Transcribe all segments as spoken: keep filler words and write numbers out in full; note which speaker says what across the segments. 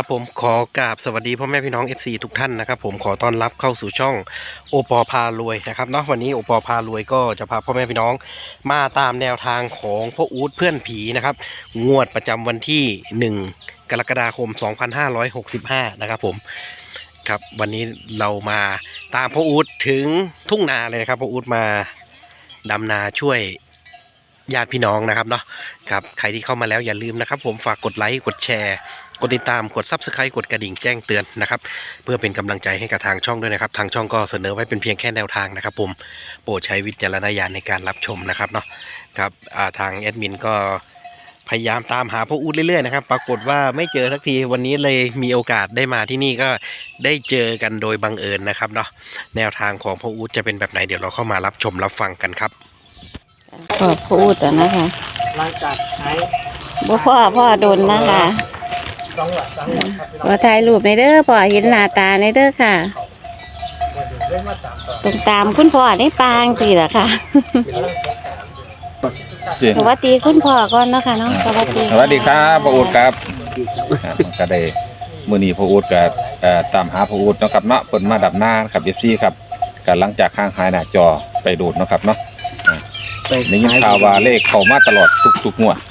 Speaker 1: ครับผมขอกราบสวัสดีพ่อแม่พี่น้อง เอฟ ซี ทุกท่านนะครับผมขอต้อนรับเข้าสู่ช่องโอปอพารวยนะครับเนาะวันนี้โอปอพารวยก็จะพาพ่อแม่พี่น้องมาตามแนวทางของพ่ออู๊ดเพื่อนผีนะครับงวดประจำวันที่หนึ่งกรกฎาคมสองพันห้าร้อยหกสิบห้านะครับผมครับวันนี้เรามาตามพ่ออู๊ดถึงทุ่งนาเลยนะครับพ่ออู๊ดมาดำนาช่วยญาติพี่น้องนะครับเนาะครับใครที่เข้ามาแล้วอย่าลืมนะครับผมฝากกดไลค์กดแชร์กดติดตามกด ซับสไครบ์ กดกระดิ่งแจ้งเตือนนะครับเพื่อเป็นกำลังใจให้กับทางช่องด้วยนะครับทางช่องก็เสนอไว้เป็นเพียงแค่แนวทางนะครับผมโปรดใช้วิจารณญาณในการรับชมนะครับเนาะครับทางแอดมินก็พยายามตามหาพ่ออู๊ดเรื่อยๆนะครับปรากฏว่าไม่เจอสักทีวันนี้เลยมีโอกาสได้มาที่นี่ก็ได้เจอกันโดยบังเอิญนะครับเนาะแนวทางของพ่ออู๊ดจะเป็นแบบไหนเดี๋ยวเราเข้ามารับชมรับฟังกันครับ
Speaker 2: ก็พูดอะนะคะ
Speaker 3: หลังจากใช้
Speaker 2: บ่พ่อพ่อโดนนะคะพ่อถ่ายรูปในเด้อพ่อเห็นหน้าตาในเด้อค่ะตรงตามคุณพ่อในปางสิล่ะค่ะสวัสดีคุณพ่อก่อนนะคะเนาะสวัสดี
Speaker 4: สวัสดีครับพ่ออู๊ดครับก็ได้มื้อนี้พ่ออู๊ดก็ตามหาพ่ออู๊ดเนาะครับเนาะเพิ่นมาดับหน้าครับ เอฟ ซี ครับก็หลังจากข้างหายหน้าจอไปดูดเนาะครับเนาะได้ยินข่าวว่าเลขเข้ามาตลอดทุกๆงวด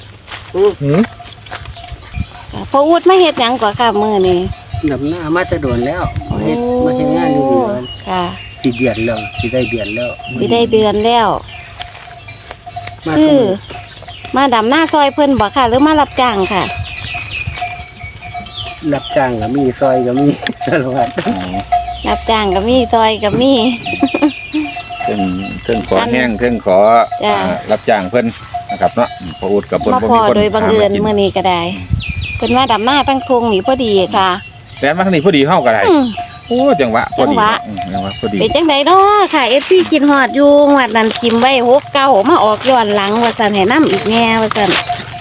Speaker 2: พ่ออู๊ดไม่เฮ็ดหยังกว่าค่ะมื้อนี้
Speaker 3: ดับหน้ามาจะโดนแล้วเฮ็ดมาเฮ็ดงานอยู่ๆ
Speaker 2: ค่ะ
Speaker 3: สิเดือนแล้วสิได้เดือนแล้ว
Speaker 2: สิได้เดือนแล้วคือมาดำหน้าซอยเพิ่นบ่ค่ะหรือมารับจ้างค่ะ
Speaker 3: รับจ้างก็มีซอยก็มีสารพัด
Speaker 2: รับจ้างก็มีซอยก็มี
Speaker 4: เพิ่นเพิ่นขอแห้งเพิ่นขอรับจ้างเพิ่นนะครับเนาะพ่ออู๊ดกับเพิ่น
Speaker 2: บ่มีคนโดยบังเอิญมื้อนี้ก็ได้เพิ่นมาดำหน้าตั้งทงนี่พอดีค่ะ
Speaker 4: แต่มาทางนี้พอดีเฮาก็ได้โอ้จังหวะพอดีจังหวะพอดี
Speaker 2: เป็นจังได๋เนาะค่ะ เอฟ ซี คิดฮอดอยู่งวดนั้นกิมไว้หกเก้ามาออกย้อนหลังว่าซั่นให้นำอีกแน่ว่าซั่น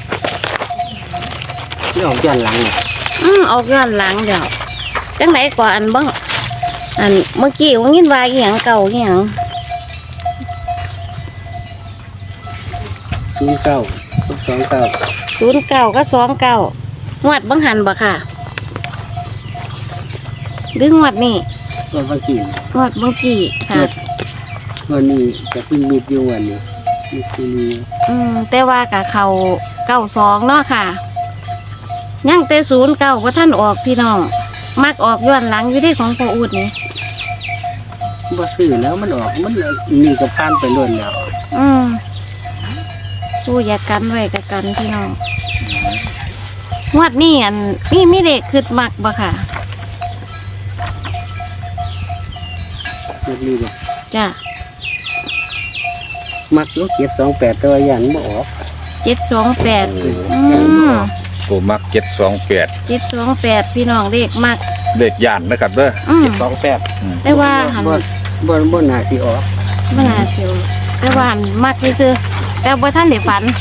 Speaker 3: นี่ออกย้อนหลัง
Speaker 2: อือออกย้อนหลังเดี๋ยวจังได๋กว่าอันบ่อันเมื่อกี้ว่ายินว่าอีหยังเก่าอีหยัง
Speaker 3: ศูนย์เก้าสองเก้า
Speaker 2: ศูนย์เก้าก็สองเก้างวดบังหันบ่ค่ะดึงงวดนี่
Speaker 3: งวดบางกี่
Speaker 2: งวดบางกี่ค่ะ
Speaker 3: วันนี้จะพึ่งมีดอยู่วันนี้มีคือมี
Speaker 2: อืมแต่ว่ากับเขาเก้าสองเนาะค่ะยังแต่ศูนย์เก้าก็ท่านออกพี่น้องมักออกย้อนหลังอยู่ที่ของพ่ออู๊ดนี่
Speaker 3: บ่ซื้อแล้วมันออกมันนี่ก็ผ่านไปล้วนแล้ว
Speaker 2: อืมผู้อยากกันไว้กับกันพี่น้องงวดนี่อันนี่ไม่เด็กคือมักบ่ค่ะ
Speaker 3: งวดนี้บ่
Speaker 2: จ้ะ
Speaker 3: มักลูกเจ็ดสองแปดตัวอย่างบ่ออก
Speaker 2: เจ็ดสองแปดอืม
Speaker 4: โอ้มักเจ็ดสองแปด
Speaker 2: เจ็ดสองแปดพี่น้องเลขมัก
Speaker 4: เลขย่านนะครับเด้อ
Speaker 1: เจ็ดสองแปด
Speaker 2: แต่ว่าหัน
Speaker 3: บ่บ่บ่น่าสิออก
Speaker 2: บ่น่าสิออกแต่ว่าหันมักซื่อแต่บ่ท่านได้ฝัน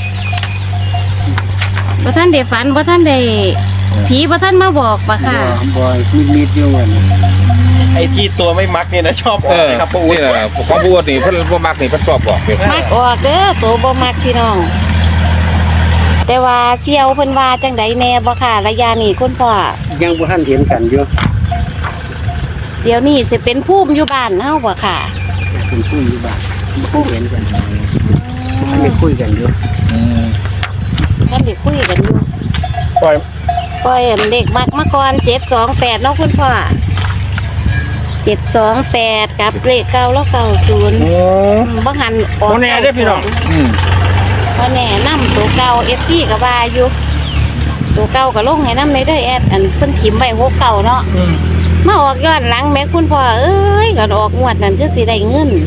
Speaker 2: บ่ท่านได้ฝันบ่ท่านได้ผีบ่ท่านมาบอกป่ะค่ะ
Speaker 3: บ่มีดอยู่วันนี้
Speaker 1: ไอ้ที่ตัวไม่มักเนี่ยนะชอบออกครับพ่ออู๊ด
Speaker 4: นี่แหละของพ่ออู๊ดนี่เพิ่นบ่มักนี่เพิ่นชอบบอก
Speaker 2: มักออกเด้อตัวบ่มักพี่น้องแต่ว่าเสี่ยวเพิ่นว่าจังไดแน่บ่ค่ะระยะนี้คุณพ่อ
Speaker 3: ยังบ่ทันเห็นกันอยู่
Speaker 2: เดี๋ยวนี้สิเป็นภูมิอยู่บ้านเฮาบ่ค่ะ
Speaker 3: เป็นภูมิอยู่บ้านภูมิเห็นกันท่านได้คุยกันอยู่
Speaker 4: อืม
Speaker 2: ท่านได้คุยกันอยู่
Speaker 1: ปล่อย
Speaker 2: ปล่อยเด็กมักมาก่อนเจ็ดสองแปดเนาะคุณพ่อเจ็ดสองแปดกับเลขเก้าแล้วเก้าศูนย์บ่หันออก
Speaker 1: แน่ได้พี่น้อง
Speaker 2: บ่แน่นำตัวเก่า เอฟ ซี ก็ว่าอยู่ตัวเก่าก็ลงให้นำในเด้อแอดอันเพิ่นถิ่มไว้หกเก้าเนาะมาออกย้อนหลังแม่คุณพ่อเอ้ยก่อนออกงวดนั้นคือสิได้เงิน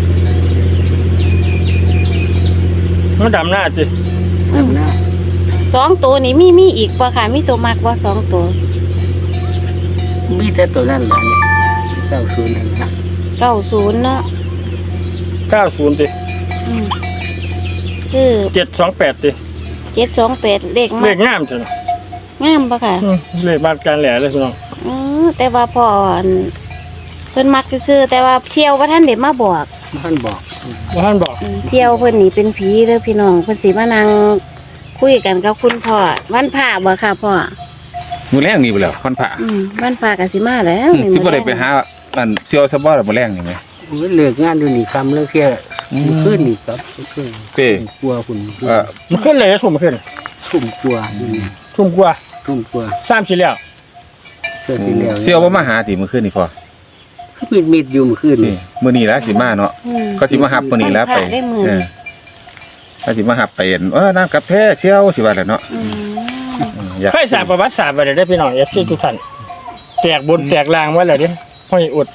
Speaker 1: มันดำหน้าสิ
Speaker 3: ดำหน้า
Speaker 2: สองตัวนี้มีมีอีกบ่ค่ะมีตัวมากบ่สองตัว
Speaker 3: มีแต่ตัวนั้นล่ะนี่เก้าศูนย์นั่นนะ
Speaker 2: เก้าศูนย์เนาะ
Speaker 1: เก้าศูนย์สิ
Speaker 2: อืมคือ
Speaker 1: เจ็ดสองแปดสิ
Speaker 2: เจ็ดสองแปดเลข
Speaker 1: เลขงามจัง
Speaker 2: งามป่ะค่ะ
Speaker 1: เลขบ้านการแหล่เลยพี่น้อง
Speaker 2: อ๋อแต่ว่าพอเพิ่นมักซื้อแต่ว่าเที่ยวว่าท่านเด็ดมาบอก
Speaker 3: ท่านบอก
Speaker 1: ว่าท่านบอก
Speaker 2: เที่ยวเพิ่นนี่เป็นผีเด้อพี่น้องเพิ่นสิมานั่งคุยกันกับคุณพ่อวันพระบ่ค่ะพ่อ
Speaker 4: มือแรงนี่ไปแล้วพันผ่า
Speaker 2: อืมบ้านฟ้าก็สิมาแล้วนี่
Speaker 4: สิบ่ได้
Speaker 2: มื้อแลง
Speaker 4: ไปหาอันเซียวซะบ่ล่ะมื้อแรงนี่แหม
Speaker 3: โอ้ยเลิกงานดูนี่คำเลิกเที่ยขึ้นนี่ครับขึ้น
Speaker 4: เป้
Speaker 3: กลัวคุณ
Speaker 4: เอ่อ
Speaker 5: มันขึ้นเลยสุ่มขึ้น
Speaker 3: ทุ่มกลัว
Speaker 5: ทุ่มกว่า
Speaker 3: ทุ่มกลัว
Speaker 5: สามสิแล้ว
Speaker 3: เสื้อสีเหลือง
Speaker 4: เซียวบ่มาหาติมื้อคืนนี่พอ
Speaker 3: คือมีดมีดอยู่เมื่อคืน
Speaker 4: นี่มื้อนี้แล้วสิมาเนาะ
Speaker 2: อืม
Speaker 4: ก็สิมาหับมื้อนี้แล้วไป
Speaker 2: บ้านฟ้าได้มื้อ
Speaker 4: เออก็สิมาหับไปเห็นเออน้ำกับแท้เซียวสิว่าแหละเนาะ
Speaker 2: อืม
Speaker 4: อืมอยาก
Speaker 5: เคยสร้างประวัติศาสตร์ไปเลยได้พี่น้องเอฟซีทุกท่านแตกบนแตกลางไว้เลยดิห้อยอุด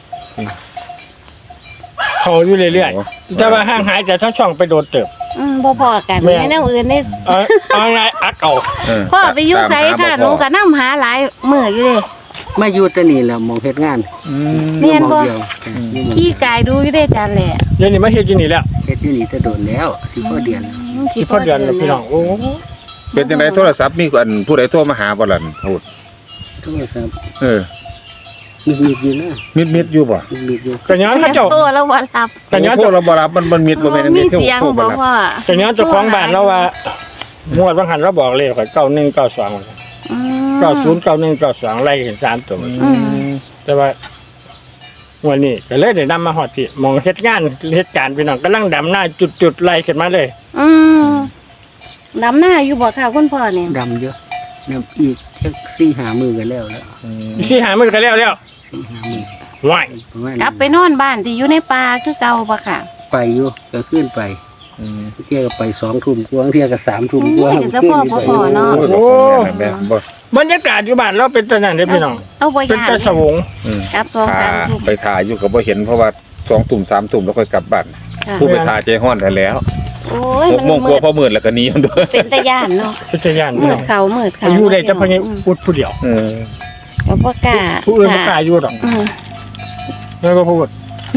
Speaker 5: เขาอยู่เรื่อยๆแต่ว่าห่างหายจากช่องช่องไปโดนเติบ
Speaker 2: อืมบ่พอกัน
Speaker 5: แม่
Speaker 2: แม่แนวอื่นนี่
Speaker 5: เอาเอาไงอักเอา
Speaker 4: เออ
Speaker 2: พ่อไปอยู่ไส
Speaker 4: ตาม
Speaker 2: ค่ะ
Speaker 4: บ่
Speaker 2: หนู
Speaker 4: พอ
Speaker 2: ก็นำหาหลายมื้ออยู่เด้
Speaker 3: มาอยู่แต่นี่แหละมองเฮ็ดงาน
Speaker 4: อืม
Speaker 2: แม่นบ่
Speaker 3: อยู่หม้องเดียวอยู่หม้อง
Speaker 2: ขี้กายดูอยู่เด้จานแหละ
Speaker 5: เดี๋ยวนี้มาเฮ็ดอยู่นี่แล้ว
Speaker 3: เฮ็ดอยู่นี่จะโดนแล้วสิพอเดือนแล้ว
Speaker 5: สิพอเดือนแล้วพี่น้องโอ้
Speaker 4: เป็นจังไดโทรศัพท์มีอันผู้ใดโทรมาหาบ่ล่ะพูด
Speaker 3: โทรศัพท์
Speaker 4: เออ
Speaker 3: มีมีดอยู่นะ
Speaker 4: มิดๆอยู่บ่
Speaker 3: มีมีดอยู่
Speaker 5: แต่ย้อนเขาเจ้า
Speaker 2: โตแล้วบ่รับ
Speaker 5: แต่ย้อน
Speaker 4: โทรเราบ่รับมันมันมิดบ่แม่นอัน
Speaker 2: มี
Speaker 4: นี้
Speaker 2: เสียง
Speaker 4: โทร
Speaker 2: บ่
Speaker 4: บ่รับ
Speaker 2: พ่อ
Speaker 5: แต่ย้อนเจ้าของบ้านแล้วว่าหมวดบางหันเราบอกเลยข่อยเก้าหนึ่งเก้าสอง
Speaker 2: อืม
Speaker 5: เก้าศูนย์เก้าหนึ่งเก้าสองไล่เห็นสามตัว
Speaker 2: อืม
Speaker 5: แต่ว่าวันนี้ก็เลยได้นำมาฮอดพี่มองเฮ็ดงานเฮ็ดการพี่น้องกำลังดำหน้าจุดๆไล่ขึ้นมาเลย
Speaker 2: อืมดำหน้าอยู่บ่ค่ะคุณพ่อเนี่ย
Speaker 3: ดำเยอะดำอีกแค่สี่หามือกันแล้วแล้ว
Speaker 5: สิหามือกันแล้วแล้ว
Speaker 3: สี่หามือ
Speaker 5: ว้าย
Speaker 3: ประมาณ
Speaker 2: กลับไปนอนบ้านที่อยู่ในป่าคือเก่าบ่ค่ะ
Speaker 3: ไปอยู่ก็ขึ้นไป
Speaker 4: อืม
Speaker 3: เที่ยก็ไปสองทุ่มกว่าเที่ยก็สามทุ่มกว่า
Speaker 2: อืมเดี๋ยวจะพ่อพ่อพ่อเนาะ
Speaker 4: โอ้ยบ่แม่นแบบบ่
Speaker 5: บรรยากาศอยู่บ้านเราเป็นตะนั้นเด้อพี่น้อง
Speaker 2: เอาบ่
Speaker 5: เป็น
Speaker 2: ยาน
Speaker 5: ตะสวง
Speaker 4: อืม
Speaker 2: กลับสอง
Speaker 4: ถ่า
Speaker 2: สามทุ่ม
Speaker 4: ไปถ่ายอยู่ก็บ่เห็นเพราะว่าสองตุ่มสามตุ่มแล้วค่อยกลับบ้าน
Speaker 2: ค่ะ
Speaker 4: ผู้ไปถ่ายใจฮ้อนได้แล้ว
Speaker 2: โอ้ย
Speaker 4: ห
Speaker 2: มั
Speaker 4: ก
Speaker 2: น
Speaker 4: โมงก
Speaker 2: มื
Speaker 4: ว่า
Speaker 2: ด
Speaker 4: พอมืดแล้วก็หนีมันด้วย
Speaker 2: เป็นตะย่านเนาะ
Speaker 5: พิจารณา
Speaker 2: มืดเขามืดเขา
Speaker 5: อายุได้จะพญ
Speaker 2: อืม
Speaker 5: อุดผู้เดียว
Speaker 4: เออ
Speaker 2: ก็บ่กล้า
Speaker 5: ผู้อื่นบ่กล้าอยู่ดอก
Speaker 2: อืม
Speaker 5: แล้วก็พูด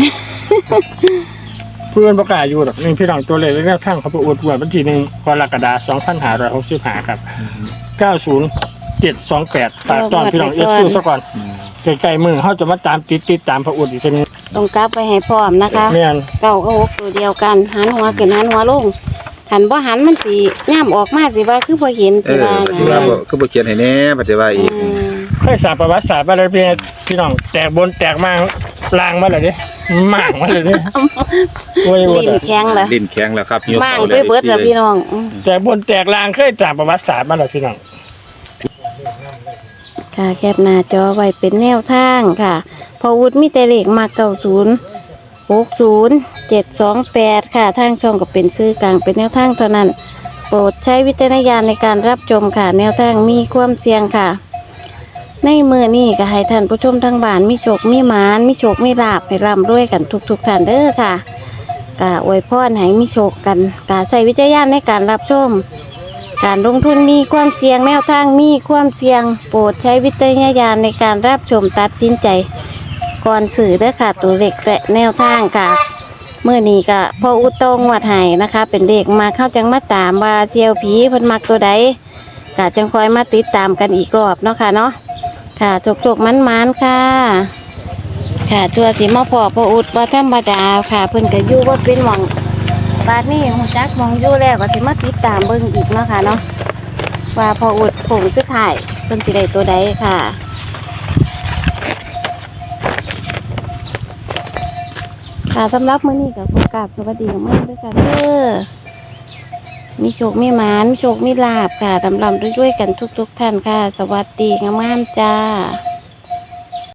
Speaker 5: ผู้อื่นบ่กล้าอยู่ดอกนี่พี่น้องตัวเลขแล้วทางเขาไปอวดอวดวันที่หนึ่งกรกฎาคมสองพันห้าร้อยหกสิบห้าครับเก้าศูนย์เจ็ดสองแปดตากตอนพี่น้องเอฟซีซะก่อนใกล้ๆมือเขาจะมาตามติดติดตามพระอุดอีกทีนึง
Speaker 2: ต้องกลับไปให้พร้อมนะคะ
Speaker 5: แม่น
Speaker 2: เก้าก็หกตัวเดียวกันหันหัวขึ้นหันหัวลงหันบ่หันมันสิย่ามออกมาสิว่าคือบ่เห็น
Speaker 4: เอ
Speaker 2: สิ
Speaker 4: อ
Speaker 2: ว่า
Speaker 4: ปฏิว่าบ่คือบ่เขียนให้แน่ปฏิว่าอีก
Speaker 2: อืม
Speaker 5: เคยสาประวัติศาสตร์มาเลยพี่พี่น้องแตกบนแตกมางลางมาเลยดิมางมาเลยดิโอ้ยโอ้ย
Speaker 2: ลิ้นแข็งเหรอ
Speaker 4: ลิ้นแข็งแล้วครับหิว
Speaker 2: บ้าง
Speaker 4: ข้าว
Speaker 2: ไป
Speaker 4: แล้ว
Speaker 2: เบิดแล้วพี่น้องอืม
Speaker 5: แตกบนแตกลางเคยสาประวัติศาสตร์มาเลยพี่น้อง
Speaker 2: ค่ะแคปหน้าจอไว้เป็นแนวทางค่ะพอวุฒิมีแต่เลขมาเก้าศูนย์หกศูนย์เจ็ดสองแปดค่ะทางช่องก็เป็นซื้อกลางเป็นแนวทางเท่านั้น โปรดใช้วิจารณญาณในการรับชมค่ะ แนวทางมีความเสี่ยงค่ะ ในมือนี่ก็ให้ท่านผู้ชมทางบ้านมีโชคมีหมานมีโชคมีลาภให้ร่ำรวยกันทุกๆท่านเด้อค่ะกะอวยพรให้มีโชคกันกะใช้วิจารณญาณในการรับชม การลงทุนมีความเสี่ยงแนวทางมีความเสี่ยง โปรดใช้วิจารณญาณในการรับชมตัดสินใจ ก่อนสื่อเด้อค่ะตัวเลขและแนวทางค่ะเมื่อนี้ก็พออุตงวัดไห้นะคะ เป็นเด็กมาเข้าจังมาตามว่าเจียวผีเพิ่นมักตัวใดก็จังคอยมาติดตามกันอีกรอบเนาะค่ะเนาะค่ะจกจกมันมันๆค่ะ ค่ะชัวสีมาพอพออุดว่าธรรมดาค่ะเพิ่นก็อยู่ว่าเป็นหวังบาดนี้หูจักหมองอยู่แล้วก็สิมาติดตามเบิ่งอีกเนาะค่ะเนาะว่าพออุดผงสุดท้ายเพิ่นสิได้ตัวใดค่ะ ค่ะสำหรับมื้อนี้ก็ขอกราบสวัสดีมากด้วยค่ะเด้อมีโชคมีหมานมีโชคมีลาภค่ะลำลำด้วยๆกันทุกๆท่านค่ะ สวัสดีงามๆจ้า